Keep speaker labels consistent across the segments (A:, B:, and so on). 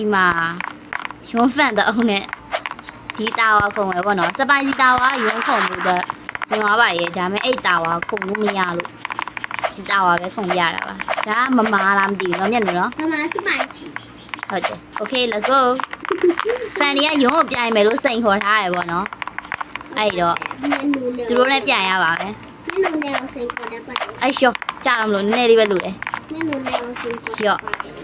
A: ဒီမှာရုံးဖန်တော့နဲ့ဒီတာဝါခုံပဲပေါ့နော်စပိုင်စီတာဝါရုံးခုံလို့တော့ဝင်သွားပါရဲ့ဒါပေမဲ့အဲ့တာဝါခုံလို့မရလို့ဒီတာဝါပဲခုံရတာပါဒါမမားလားမသိဘူးတော့မျက်နှာနော်
B: 妈妈是白棋。
A: ဟုတ်တယ် okay let's go ဖန်ဒီကရုံးကိုပြိုင်မယ်လို့စိန်ခေါ်ထားရပေါ့နော်အဲ့တော့သူတို့နဲ့ပြိုင်ရပါမယ်
B: 那奴呢我先过来吧。
A: အဲ့ရှော့ကြားတော့မလို့နည်းနည်းလေးပဲလို့တယ်
B: 那奴呢我先过来。
A: ရှော့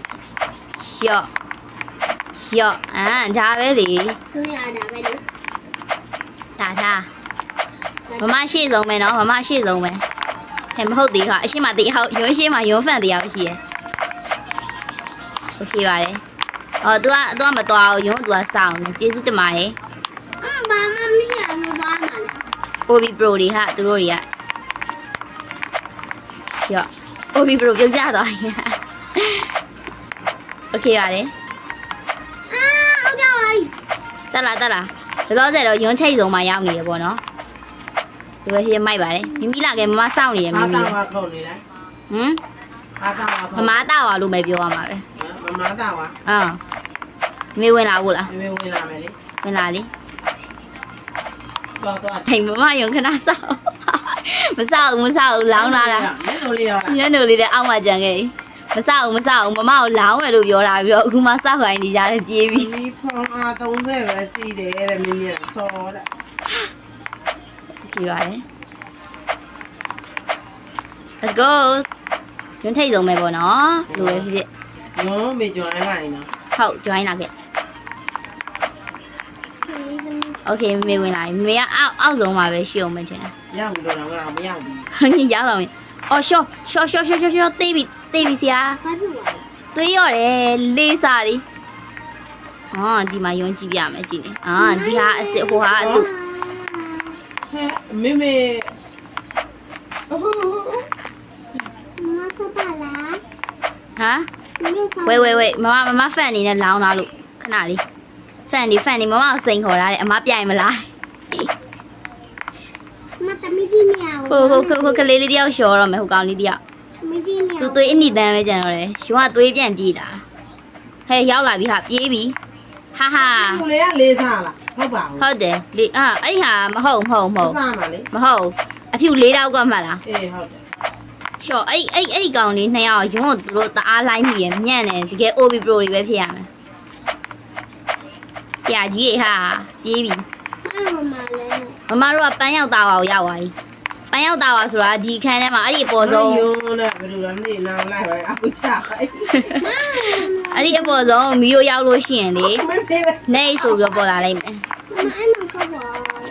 A: ဒါပဲလေ
B: 都要拿ไปดู
A: ဒါသားမမရှိဆုံးပဲနော်မမရှိဆုံးပဲဟဲ့မဟုတ်သေးခါအရှိမတရားရုံးရှိမရုံးဖန်တရားရှိရယ်โอเคပါတယ်အော် तू ကမတော်အောင်ရုံး तू ကစောင်းနေကျေးဇူးတင်ပါတယ်
B: 妈妈没想那么多嘛了。
A: OB Pro တွေဟာသူတို့တွေကရော OB Pro ပြုတ်ကြသွားရင်โอเคပါတယ်
B: 啊，好屌啊！
A: တက်လာလောဆယ်တော့ရုံးချိတ်ဆုံးမှာရောက်နေရပေါ့နော်ဒီလိုရှိမိုက်ပါတယ်မိမိလာခဲ့မစောင့်နေရမိမိ
C: Mata wa khâu này đấy.
A: ဟမ်
C: Mata wa
A: မ
C: khâu.
A: မတောက်အောင်လို့ပဲပြောရမှာပဲ
C: Mata wa.
A: မေဝင်လာဘူးလား
C: Mẹ quên làm mày đi.
A: ဝင်လာလေ
C: Con con.
A: ဟိမ်မရုံခဏစောင့်မစောင့်လောင်းလာတာ
C: Mấy đồ liều à?
A: ညနေလေးတဲ့အောက်မှာကြံခဲ့မစောင့်မမကိုလောင်းမယ်လို့ပြောတာပြီးတော့အခုမှစောက်ခိုင်းနေကြတယ်ပြေးပြီ
C: Đi phong a tông rể về xì để mẹ mẹ so đấy.
A: ကြည့်ပါတယ် let's go ရုံးထိတ်ဆုံးပဲပေါ့နော်လူပဲဖြစ်
C: Nó bị chuột này này nó.
A: ဟုတ် join လာခဲ့ okay မေဝင်လာမေကအောက်ဆုံးမှာပဲရှိအောင်မထင်တာ
C: Dao bị đồ nào nào mới dao bị.
A: ညရောက်တော့မယ်အော်ရှော့တေးပြီဆရာ
B: 快不玩。
A: သွေးရတယ်လေးစားလीဒီမှာယုံကြည့်ပြမယ်ကြည့်နေဒီဟာအစ်စ်ဟိုဟာအတူ
C: Mẹ mẹ.
B: 妈妈说罢了。
A: ဟမ်
B: 没有说。
A: ဝေးမဖန်နေနဲ့လောင်းလာလို့ခဏလေးဖန်နေမမကိုစိန်ခေါ်ထားတယ်အမပြိုင်မလား
B: 妈的没听见。
A: ဟိုကလေးလေးတယောက်လျှော်တော့မယ်ဟိုကောင်လေးတယောက်
B: 没听见。
A: သူသွေးအနိတန်းပဲကြံတော့တယ်ရှင်ကသွေးပြန်ပြေးတာဟဲ့ရောက်လာပြီဟာပြေးပြီဟာ
C: Cô lấy lê xa là. Không bảo.
A: ဟုတ်တယ်လေအဲ့ဟာမဟုတ်
C: Xa mà lấy.
A: မဟုတ်အဖြူ၄တောက်ကမှတ်လား
C: Ê không.
A: ရှော့အဲ့ဒီကောင်လေးနှစ်ယောက်ရုံးကိုသူတို့တအားလိုက်မိရညံ့တယ်တကယ် OB Pro တွေပဲဖြစ်ရမယ်ဆရာကြီးတွေဟာပြေးပြီ
B: 妈妈来了。
A: မမတို့ကပန်းရောက်သားပါကိုရောက်သွားပြီပန်းရောက်သားပါဆိုတာဒီခန်းထဲမှာအဲ့ဒီအပေါ်ဆုံး
C: Vô nè, cái đồ làm gì nào lại phải áo chả vậy.
A: အဲ့ဒီအပေါ်ဆုံးမီးတို့ရောက်လို့ရှိရင်လေ
C: Mấy phê này.
A: နေဆိုပြီးတော့ပေါ်လာလိမ့်မယ်
B: 妈妈爱弄说我。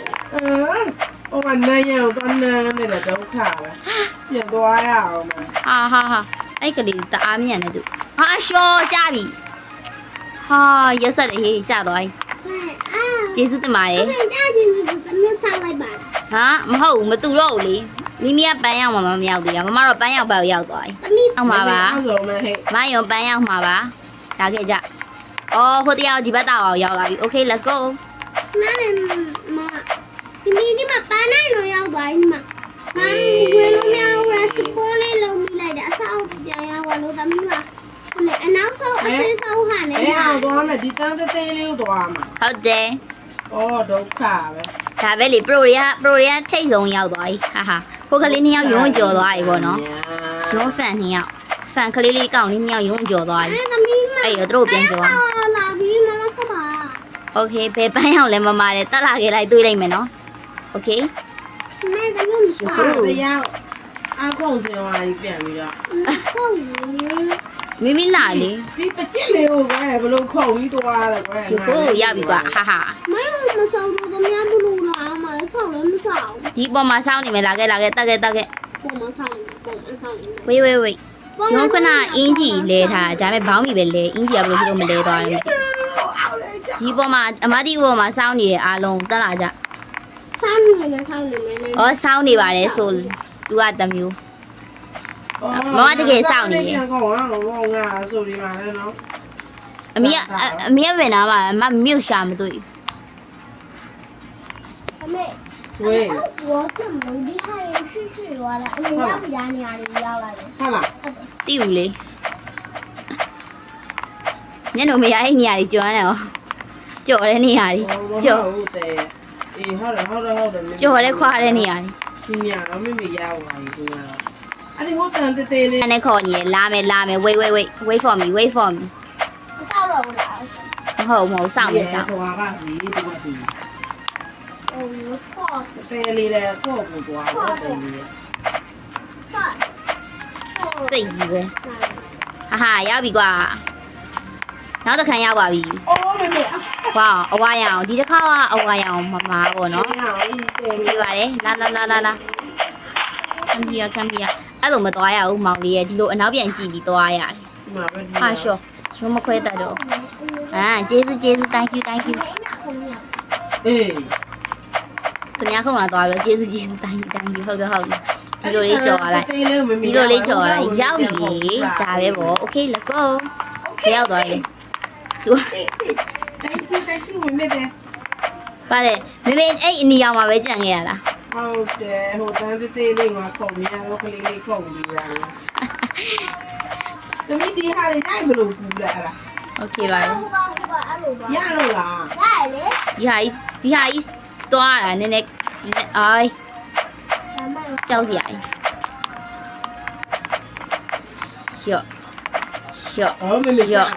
C: Ông anh này nhau con này là đâu khả rồi. Giờ tôi ai ảo mà.
A: ဟာအဲ့ကလေးတအားမြင်တယ်သူဟာရှော့ကြပြီဟာရက်ဆက်လေဟေးကြသွားပြီ
B: 哎啊。
A: ကျေးဇူးတင်ပါတယ်
B: 我想家进去怎么上来吧？
A: ဟာမဟုတ်ဘူးမတူတော့ဘူးလေမိမိကပန်းရောက်မှာမရောက်သေးတာမမတော့ပန်းရောက်ပဲရောက်သွားပြီ
B: 咱们
A: အောက်မှာပါ
C: Áo rồi mà hệ.
A: မယုံပန်းရောက်မှာပါဒါခဲ့ကြအော်ဟိုတရားဒီဘက်တောက်အောင်ရောက်လာပြီ okay let's go
B: 妈的妈，你把搬来了要多你嘛？妈，为了咩我是玻璃楼米来的，少不掉呀，我楼咱们嘛。那那时候是少喊的
C: Cái áo
B: 嘛。
C: đó là đi tăng tới tê liêu tòa mà.
A: ဟုတ်တယ်
C: Ồ, đâu khả vậy.
A: ဒါပဲလေ pro တွေကထိတ်ဆုံးရောက်သွားပြီဟာခိုးကလေးနှစ်ယောက်ယုံကြော်သွားပြီပေါ့နော်ယုံဖန်နှစ်ယောက်ဖန်ကလေးလေးကောင်လေးနှစ်ယောက်ယုံကြော်သွားပြီ
B: 哎，咱们嘛。
A: အဲ့တော့သူတို့ပြန်ကြော်
B: 老弟妈妈说吧。
A: okay ဘယ်ပန်းရောက်လဲမမတဲ့တက်လာခဲ့လိုက်တွေးလိုက်မယ်နော် okay
B: 那咱们
C: À, cái áo. Áo không gì ngoài đi biển đi đó.
B: 臭鱼。
A: မိမိလာလေ
C: Đi bắt chết liêu cái, bà lông khẩu đi tòa là cái.
A: ဒီကိုရောက်ပြီကွာဟာ
B: 没有那么少了，咱们不录了嘛，少了那么少。
A: ဒီပေါ်မှာစောင်းနေမယ်လာခဲ့တက်ခဲ့
B: 我们少了，我们少了。
A: ဝေးရုံခဏအင်းကြီးလဲထားဒါပေမဲ့ဘောင်းမီပဲလဲအင်းကြီးကဘယ်လိုဖြစ်လို့မလဲသွားလဲဒီပေါ်မှာအမတိပေါ်မှာစောင်းနေရအားလုံးတက်လာကြ
B: 少你们，少你们。
A: ဩစောင်းနေပါတယ်ဆိုသူကတမျိုး Mama thì kể sao nhỉ?
C: Không à, rồi đi mà đây nó.
A: အမေကဝင်လာမှာမမြို့ရှာမတွေ့
B: 妹妹，
C: 喂，
B: 我这么厉害，去完了，你要不然你哪里要来的？
C: 看了。
A: တိဦးလေညနေမရအဲ့နေရာကြီးကျွမ်းတယ်ဟောကြော်တဲ့နေရာကြီးကြော်
C: ဟုတ်တယ်အေးဟုတ်တယ်
A: ကြော်တဲ့ခွာတဲ့နေရာကြီး
C: ဒီညတော့မိမိရောက်ပါပြီကွာအဲ့ဒီဟိုတန်တေးလေး
A: အဲ့နဲ့ခေါ်နေရလာမယ် wait for me
B: မဆောက်တော့ဘူးလား
A: မဟုတ်စောင့်နေစောင့်
C: ဟိုပါစီဒီမှာဒီ
B: ဟိုဖော့
C: တေးလေးလည်းကိုယ့်ကိုသွားတော့တယ်
B: ဖော့
A: စိတ်ကြီးပဲဟာရောက်ပြီကွာနောက်တစ်ခါရောက်ပါပြီ
C: အော်မေမေ
A: ဝါအဝါရအောင်ဒီတစ်ခါကအဝါရအောင်မမားပေါ့နော် ဒီပါတယ်လာခံပြအဲ့လိုမသွားရဘူးမောင်လေးရဲ့ဒီလိုအနောက်ပြန်ကြည့်ပြီးသွားရတယ်
C: ဒီမှာပဲ
A: ဟာရှော့ရုံးမခွဲတတ်တော့ကျေးဇူး thank you
C: အေး
A: သူများခုံလာသွားတော့ကျေးဇူး thank you ဟုတ်တယ်ဒီလိုလေးကြော်ရလိုက်
C: တေးလေးမေမေ
A: ဒီလိုလေးကြော်ရလိုက်ရောက်ပြီဒါပဲပေါ့ okay let's go ရောက်သွားပြီသူ
C: တိုင်းချီမေမေတဲ့
A: ပါလေမေမေအဲ့အနီအောင်မှာပဲကြံခဲ့ရလား
C: ဟုတ်တယ်ဟိုတန်တေးလေးကခုံနေရတော့ကလေးလေးခုံပြီးရတယ်တမီးဒီဟာလေးတိုင်းဘလို့ကူလာလား
A: okay ပါ
B: ဟိုပါအဲ့လိုပါ
C: ရတော့လား
B: ရတယ်လေ
A: ဒီဟာကြီးသွားတာနည်းနည်းအိုး
B: ဒါမှမဟုတ်
A: ကြောက်စရာကြီးရှော့
C: အော်မေမေတဲ့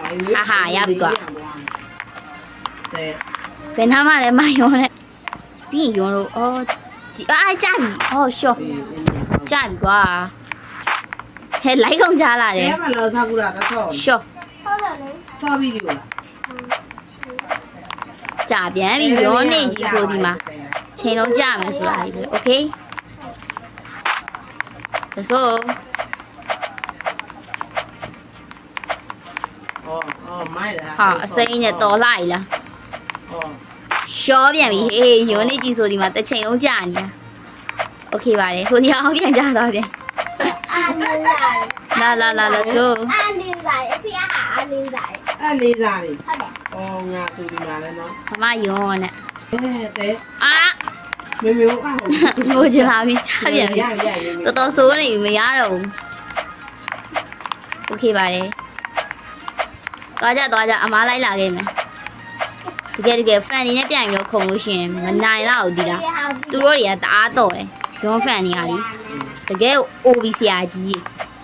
A: ဘယ်နာမှလည်းမယုံနဲ့ပြီးရင်ယုံလို့အော်ဒီကြပြီအော်ရှော့ကြပြီကွာဟဲ့လိုက်ကုန်ကြလာတယ်
C: အဲမှာလောစားကူလာတော့ဆော
A: ရှော့
B: ဟုတ်တယ်လေ
C: ဆောပြီးပြီလား
A: ကြပြန်ပြီယုံနေကြီးဆိုဒီမှာချိန်လုံးကြမယ်ဆိုတာကြီးပဲ okay let's go
C: အော်မိုက်လား
A: ဟာအစိမ်းနဲ့တော်လိုက်လား
C: အော်
A: ရှော့ပြန်ပြီဟေးယုံနေကြီးဆိုဒီမှာတစ်ချိန်လုံးကြနေတာ okay ပါတယ်ဟိုဒီအောင်ပြန်ကြတော့ပြန်
B: အာလင်းစား
A: လာ let's go
B: အာလင်းစားအဖေဟာအာလင်းစား
C: အဲ့လေးစားလေး
B: ဟုတ်တယ်
C: အော်ငါဆိုဒီမှာလဲနော်
A: မမယုံနဲ့
C: တဲ့
A: အာ
C: မေမေဟိုအော်
A: ငိုချလာပြီချပြန်ပြီတော်တော်ဆိုးနေပြီမရတော့ဘူးโอเคပါတယ်သွားကြအမားလိုက်လာခဲ့မယ်တကယ် fan နေနဲ့ပြန်ပြီးတော့ခုံလို့ရှိရင်မနိုင်တော့ဘူးဒီလားသူတို့တွေကတအားတော့တယ်ရုံး fan နေရလीတကယ် OB ဆရာကြီး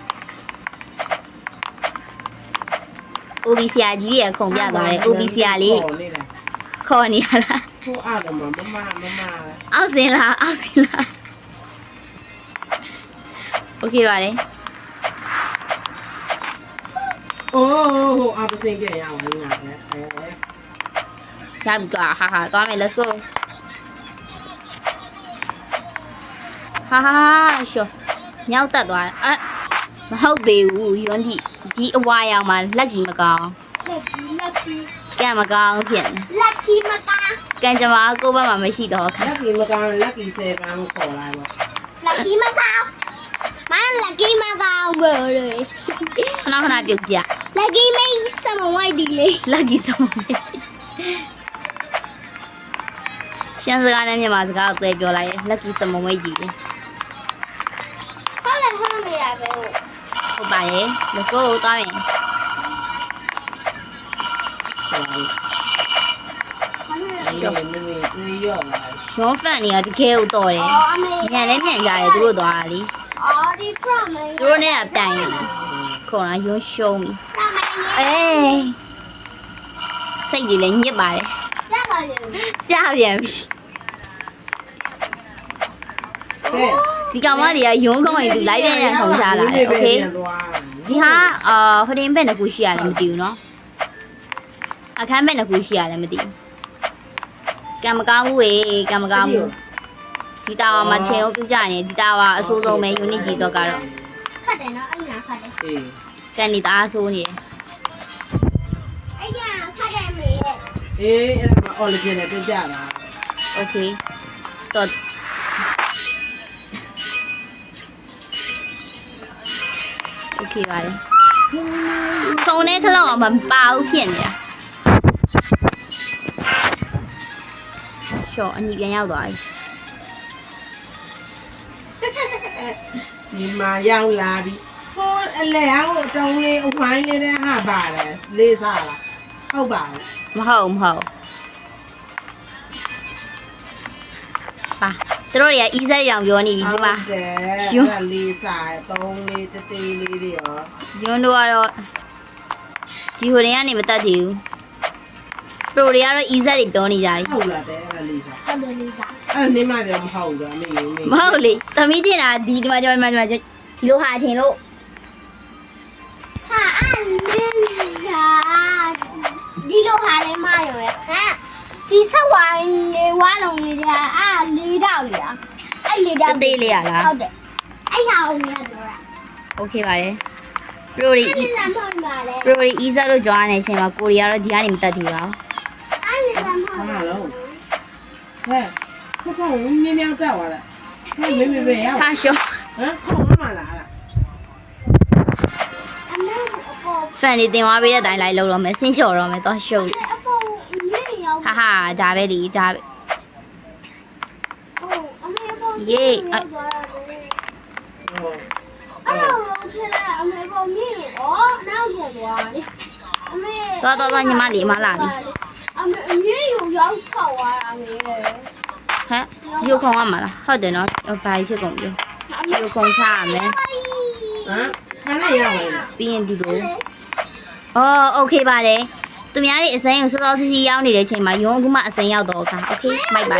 A: OB ဆရာကြီးရဲ့ခုံပြသွားတယ် OB ဆရာလေးခေါ်နေရလား
C: ဟိုအားတော့မမ
A: အောက်စင်လားโอเคပါတယ်
C: အိုးဟိုအားပစင်ပြန်ရအောင်ငါပဲအဲ
A: ရပြီကွာဟာသွားမယ် let's go ဟာရှော့ညောက်တက်သွားတယ်မဟုတ်သေးဘူးယွန်းဒီအဝါရောင်မှာလက်ကြီးမကောင်း
B: lucky
A: ကံမကောင်းဖြစ်နေ
B: lucky မကား
A: ကံကြမ္မာကိုယ့်ဘက်မှာမရှိတော့ခါ
C: လက်ကီမကန်လက်ကီ7ခေါ်လာပါ
B: lucky မကားမ lucky မကားဘယ်လို
A: ခဏပြုတ်ကြ
B: lucky မိတ်စမဝိုက်ဒီလေ
A: လက်ကြီးဆုံးရှမ်းစကားနဲ့မြန်မာစကားကိုသွဲပြောလိုက်ရင်လက်ကြီးစမုံဝဲကြီးလေ
B: ဟုတ်လေဟုတ်နေရပဲဟုတ်
A: ဟုတ်ပါရဲ့ let's go သွားမယ်
C: ရှော့မေမေတွေးရောလာ
A: ရှွန်ဖန်နေရတကယ်ကိုတော်တယ်
B: အော်အမေ
A: ညံလည်းညံကြတယ်သူတို့သွားတာလी
B: အော်ဒီ from မေ
A: သူတို့နဲ့ကတိုင်ရတယ်ခုံလာရုံးရှုံးပြီ
B: from မေ
A: အေးစိတ်ကြီးလည်းညစ်ပါတယ်
B: ကြာတော့ရင်
A: ကြားပြန်ပြီ
C: တဲ့
A: ဒီကောင်မတွေကရုံးကောင်းရင်သူလိုက်ပြန်ရခုံချလာတယ်โอเคဒီဟာဟိုတင်ဘက်နှစ်ခုရှိရတယ်မသိဘူးเนาะအခန်းဘက်နှစ်ခုရှိရတယ်မသိဘူးကံမကောင်းဘူးဝေကံမကောင်းဘူးဒီတာဝါမှာချိန်အောင်ပြကြရင်ဒီတာဝါအဆိုးဆုံးပဲ unit ကြီးတော့ကတော့
B: ခတ်တယ်နော်အဲ့ညာခတ်တယ်
C: အေး
A: ကန်နေတာအဆိုးနေတယ်
B: အဲ့ညာခတ်တယ်မေ
C: အေးအဲ့ဒါမှ origin နဲ့ပြကြတာ
A: โอเคတော့โอเคပါတယ်ခုံနဲ့ခလောက်အောင်မပါဘူးဖြစ်နေတာရှော့အညီပြန်ရောက်သွားပြီ
C: ဒီမှာရောက်လာပြီဟိုအလဲဟိုအတုံးလေးအဝိုင်းလေးတဲ့ဟာပါတယ်လေးစားလားဟုတ်ပါ
A: မဟုတ်ပါသူတို့တွေက easy ရောင်ပြောနေပြီဒီမှာ
C: တယ်လေးစား3လေးတေးသေးလေးတွေရော
A: ယွန်းတို့ကတော့ဒီဟိုတွေကနေမတတ်သေးဘူး pro တွေကတော့ easy တွေပြောနေကြပြီ
C: ဟုတ်လားတဲ့အဲ့လေးစား
B: ဟုတ်တယ်လေးစား
C: အဲ့နေမှပြောမဟုတ်ဘူးအမေရေ
A: မဟုတ်လေသမီးတင်တာဒီမှာဒီမှာဒီလိုဟာထင်လို့
B: ဟာအဲ့လေးစားဒီလိုဟာလေးမရောရဲ့ဟမ်ဒီဆက်ဝိုင်းလေးဝါလုံးလေးကအဲ့လေးတောက်လေးอ่ะအဲ့လေးတောက်
A: တေးလေးရလား
B: ဟုတ်တယ်အဲ့ဟာကိုလည်းပြောတာ
A: okay ပါတယ် pro တွေ
B: အဲ့လမ်းဖောက်ပါလေ
A: pro တွေ easy လို့ကြောင်းနေတဲ့အချိန်မှာကိုရီးယားတော့ဒီကနေမတက်သေးပါဘူး
B: အဲ့လမ်းဖောက်
C: ဟာလုံးဟဲ့ခေါင်းမြင်းမြောက်တက်သွားလားဟဲ့မေရ
A: ဟာရှော့
C: ဟမ်ခေါင်းမလာလား
B: အမေအပေါ်
A: ဖန်နေတင်သွားပေးတဲ့အတိုင်းလိုက်လုပ်တော့မယ်ဆင်းချော်တော့မယ်တော့ရှုပ်
B: အပေါ်ညင်ရောက်
A: ဟာဟာဒါပဲဒီဒါပဲ
B: ဟုတ်အမေအပေါ်
A: ယေး
B: အဲ့တော့ဖြစ်လာအမေပေါ်မြင်ရောနောက်ကျသွားလေအမေ
A: တော့ညီမလေးမလာပြီ
B: အမေအမြင်ရောက်ထောက်သွားတာလေ
A: ဟမ်ဒီလိုခေါင်းရမှာလားဟုတ်တယ်နော်ဘာဖြစ်ကုန်ပြီဒီလိုခေါင်းချရမယ်
C: ဟမ်ခဏရအောင်လား
A: ပြီးရင်ဒီလိုအော်โอเคပါတယ်သူများတွေအစိမ်းကိုစောစောစီးစီးရောက်နေတဲ့အချိန်မှာယုံအခုမှအစိမ်းရောက်တော့အခါโอเคမိုက်ပါ
C: အဲ့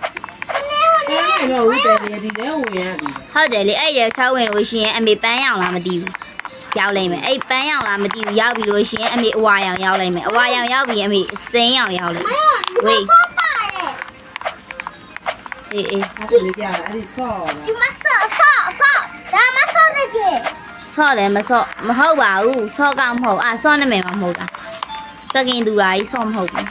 C: တော့ဦးတယ်လေဒီလဲဝင်ရပြီ
A: ဟုတ်တယ်လေအဲ့ရချောင်းဝင်လို့ရှိရင်အမေပန်းရောင်လားမသိဘူးရောက်လိမ့်မယ်အဲ့ပန်းရောင်လားမသိဘူးရောက်ပြီလို့ရှိရင်အမေအဝါရောင်ရောက်လိမ့်မယ်အဝါရောင်ရောက်ပြီးအမေအစိမ်းရောင်ရောက်လိမ့်မယ်ဝေး
B: ဆော့ပါတယ်
A: အေး
C: အဲ့ဒါလေးကြားအဲ့ဒီဆော့
B: ဒီမဆော့ဒါမဆော့ရကေ
A: ဆော့တယ်မဆော့မဟုတ်ပါဘူးဆော့ကမဟုတ်ဆော့နာမည်မဟုတ်တာစကင်သူရာကြီးဆော့မဟုတ်ဘူး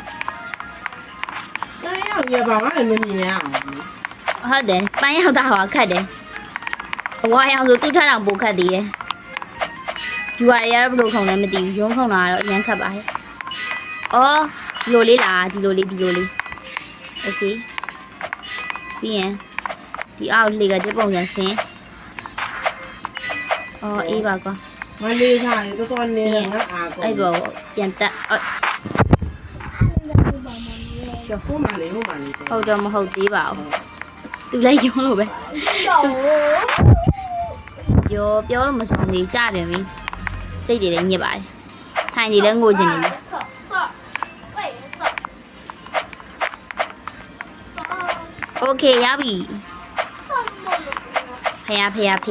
C: အဲ့ရောက်ရပါဘာလဲမမြင်ရအောင်
A: ဟုတ်တယ်ပန်းရောက်တာဟောခတ်တယ်အဝါရောင်ဆိုသူ့ထထောင်ပိုခတ်သေးတယ်ယူရရဘလို့ခုံလည်းမသိဘူးရုံးခုံတာကတော့အရင်ခတ်ပါရဲ့အော်ဒီလိုလေးလားဒီလိုလေးโอเคပြီးရင်ဒီအောက်လေကတဲ့ပုံစံဆင်းအော်အေးပါကွာ
C: မလေးစားလေတော်တော်နေငါအားကော
A: အဲ့ဘောပြန်တက်အော်
C: ဟိုမလေး
A: ဟုတ်တော့မဟုတ်သေးပါဘူးသူလည်းယုံလို့ပဲ
B: ကျော်
A: ပြောလို့မဆောင်သေးကြပြန်ပြီစိတ်တွေလည်းညစ်ပါတယ်ထိုင်နေလည်းငိုချင်နေပြီ
B: ဆော့ဝေးဆော့
A: โอเคရပြီဖယားဖယောကဒီ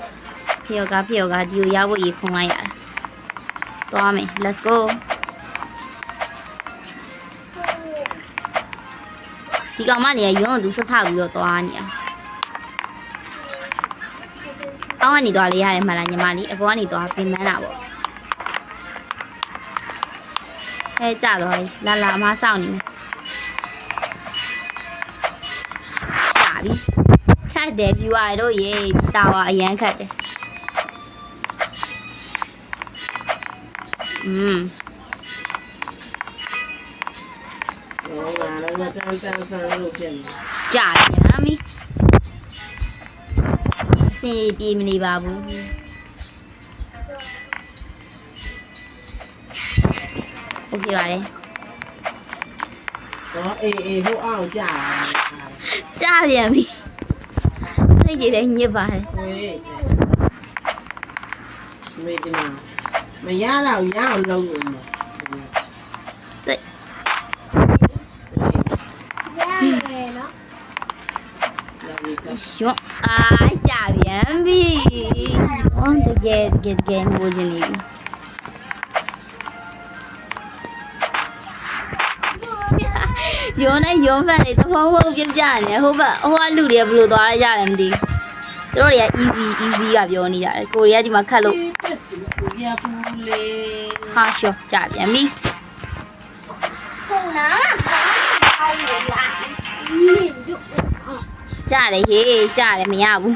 A: ကိုရောက်ဖို့ရေခုံလိုက်ရတာသွားမယ် let's go ဒီကောင်မလေးကရုံးသူဆက်ထပြီးတော့သွားနေတာအောင်းကနေသွားလေရတယ်မှလားညီမလေးအပေါ်ကနေသွားပြင်မန်းတာပေါ့ဟဲ့ကြတော့လာလာမစောင့်နေမယ်ကြာပြီခတ်တယ် viewer တို့ရေတာဝါအရန်ခတ်တယ်
C: ဟောငါလည်းတန်းဆန်းလို့ဖြစ်နေ
A: ကြာပြန်ပြီအစင်ပြေမနေပါဘူးโอเคပါတယ်
C: ဟောအေးဟိုအောင်ကြာ
A: ကြာပြန်ပြီစိတ်ကြီးလည်းညစ်ပါတယ်
C: ဝေးမေဒီမာမရတော့ရအောင်လုပ်လို့မ
A: စိတ်
B: ရတယ်နော်
A: ရွတ်အားကြာပြန်ပြီဟောတကယ်ငိုချင်နေပြီယုံနဲ့ယုံဖက်နေတဖုံဖုံပြပြနေဟိုကလူတွေကဘယ်လိုသွားရကြလဲမသိဘူးသူတို့တွေက easy ကပြောနေကြတယ်ကိုရီးယားဒီမှာခတ်လို့
C: ရပူလေ
A: ဟာရှော့ကြာပြန်ပြီ
B: ခုနာအောင်းလာညင်တို့
A: ကြာတယ်ဟေးကြာတယ်မရဘူး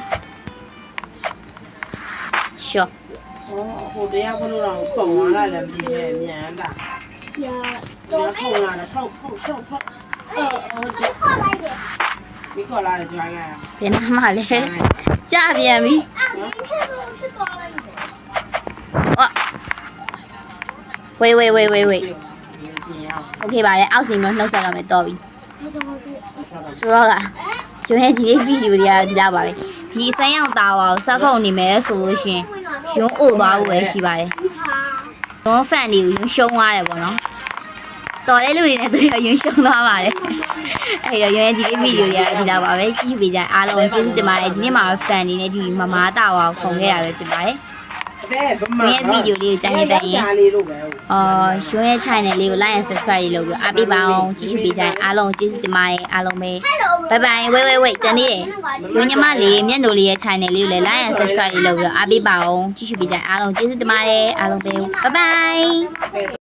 A: ရှော့
C: ဟိုတရားဘလို့တော့ခုံလာတယ်ပြည်ရဲ့မြန်တာ
B: ရ
C: တော့ခုံလာတယ်ဖောက်ချက်ခေါ်
B: လိုက်တယ်
C: မိခေါ်လာတယ်ကြွားရ
A: ဘယ်နာမှလဲကြာပြန်ပြီ
B: အဲ့ဒီဖြစ်သွားလိုက်တယ်
A: အော်ဟ wait okay ပါတယ်အောက်စီမျိုးနှုတ်ဆက်တော့မယ်တော်ပြီဆိုတော့ကရုံးရဲ့ဒီလေးဗီဒီယိုတွေကဒီလောက်ပါပဲဒီဆိုင်းအောင်သားပါကိုစောက်ခုံနေမယ်ဆိုလို့ရှင်ရုံးအိုသွားဖို့ပဲရှိပါတယ်ရုံးဖန်တွေကိုရုံးရှုံးသွားတယ်ပေါ့နော်တော်တဲ့လူတွေနဲ့တွေ့ရရုံရှုံသွားပါတယ်အဲ့တော့ရုံရဲ့ဒီလေးဗီဒီယိုတွေကဒီလောက်ပါပဲကြည့်ပေးကြအားလုံးကျေးဇူးတင်ပါတယ်ဒီနေ့မှာဖန်နေနဲ့ဒီမမားတာဝါကိုခုံခဲ့ရပဲဖြစ်ပါတယ်ရုံရဲ့ဗီဒီယိုလေးကိုကြိုက်နေတဲ့ရင်ရုံရဲ့ channel လေးကို like and subscribe လုပ်ပြီးအားပေးပါအောင်ကြည့်ရှုပေးကြအားလုံးကျေးဇူးတင်ပါတယ်အားလုံးပဲ bye bye wait ကျန်သေးတယ်ရုံညီမလေးမျက်နှာလေးရဲ့ channel လေးကိုလည်း like and subscribe လုပ်ပြီးအားပေးပါအောင်ကြည့်ရှုပေးကြအားလုံးကျေးဇူးတင်ပါတယ်အားလုံးပဲ bye bye